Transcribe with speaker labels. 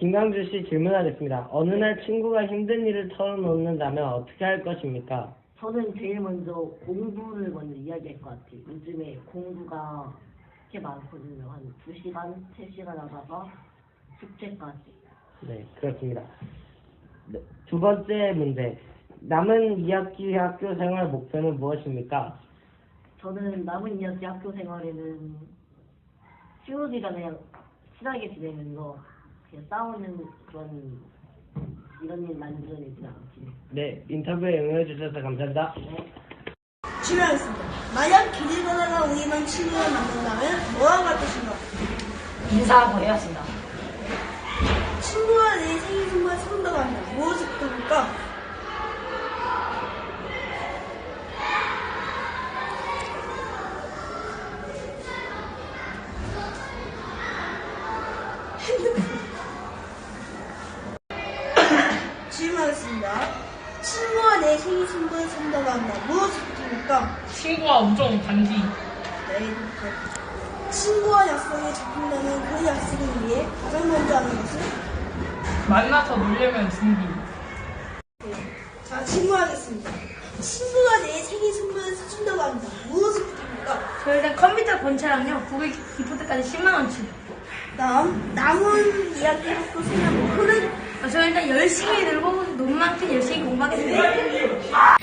Speaker 1: 김강주 씨 질문하겠습니다. 어느 날 친구가 힘든 일을 털어놓는다면 어떻게 할 것입니까?
Speaker 2: 저는 제일 먼저 공부를 먼저 이야기할 것 같아요. 요즘에 공부가 꽤 많거든요. 한 2시간, 3시간 하다가 숙제까지.
Speaker 1: 네, 그렇습니다. 네, 두 번째 문제. 남은 2학기 학교 생활 목표는 무엇입니까?
Speaker 2: 저는 남은 2학기 학교 생활에는 친구들이랑 그냥 친하게 지내면서 그냥 싸우는 그런 이런 일 만들어내지 않기.
Speaker 1: 네, 인터뷰에 응해주셔서 감사합니다.
Speaker 2: 네.
Speaker 3: 질문하겠습니다. 만약 길을 걷다가 우연한 친구를 만난다면 뭐라고 할 것인가?
Speaker 4: 인사하고 헤어진다.
Speaker 3: 친구와 내 생일 선물 사준다고 한다. 무엇을 부탁할까? 질문하겠습니다. 친구와 내 생일 선물 산다고 한다. 무엇을 부탁할까?
Speaker 4: 친구와 우정 단지.
Speaker 3: 네, 친구와 약속에 잡힌다면 그 약속을 위해 가장 먼저 하는 것은?
Speaker 4: 만나서 놀려면 준비.
Speaker 3: 자, 질문하겠습니다. 친구가 내 생일 선물을 사준다고 한다. 무엇을 부탁할까?
Speaker 5: 저 일단 컴퓨터 본체랑요 구글 기프트까지 10만원치.
Speaker 3: 다음, 남은 이야기 학교 생활 목표는?
Speaker 5: 저 일단 열심히 놀고 논만큼 열심히 공부하겠습니다.